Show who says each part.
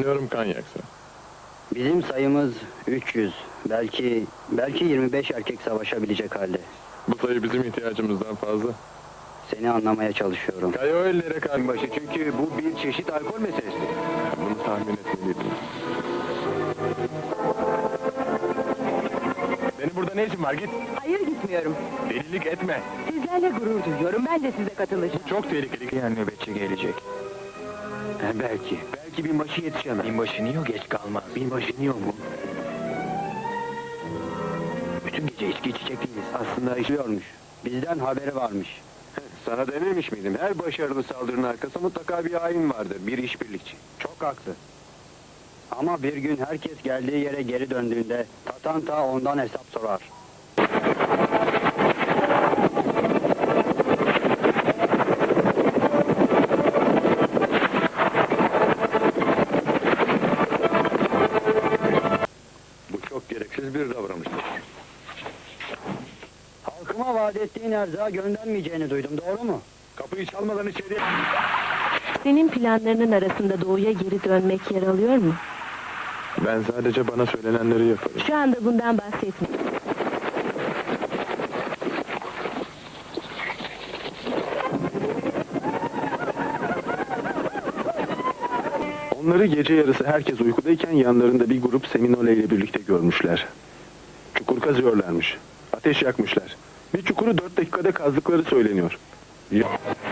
Speaker 1: Sanıyorum Kanyak'sa.
Speaker 2: Bizim sayımız 300. Belki 25 erkek savaşabilecek halde.
Speaker 1: Bu sayı bizim ihtiyacımızdan fazla.
Speaker 2: Seni anlamaya çalışıyorum.
Speaker 1: Kayoellere karşı
Speaker 3: Başı çünkü bu bir çeşit alkol meselesi.
Speaker 1: bunu tahmin etmeliydim. Senin burada ne işin var? Git.
Speaker 4: Hayır, gitmiyorum.
Speaker 1: Delilik etme.
Speaker 4: Sizlerle gurur duyuyorum. Ben de size katılacağım.
Speaker 1: Çok tehlikeli.
Speaker 3: Yani nöbetçi gelecek. Belki binbaşı yetişemez. Binbaşı niye geç kalmaz? Binbaşı niye mu? Bütün gece içki içecek değiliz. Aslında
Speaker 2: İşliyormuş. Bizden haberi varmış.
Speaker 3: sana dememiş miydim? Her başarılı saldırının arkasında mutlaka bir hain vardır. Bir işbirlikçi.
Speaker 2: Çok haklı. Ama bir gün herkes geldiği yere geri döndüğünde Tatanta ondan hesap sorar.
Speaker 3: Bu çok gereksiz bir davranıştır.
Speaker 2: Halkıma vaat ettiğin erzağı göndermeyeceğini duydum, doğru mu?
Speaker 3: Kapıyı çalmadan içeriye...
Speaker 4: Senin planlarının arasında doğuya geri dönmek yer alıyor mu?
Speaker 1: Ben sadece bana söylenenleri yaparım.
Speaker 4: Şu anda bundan bahsetme.
Speaker 1: Onları gece yarısı herkes uykudayken yanlarında bir grup Seminole ile birlikte görmüşler. Çukur kazıyorlarmış. Ateş yakmışlar. Bir çukuru 4 dakikada kazdıkları söyleniyor.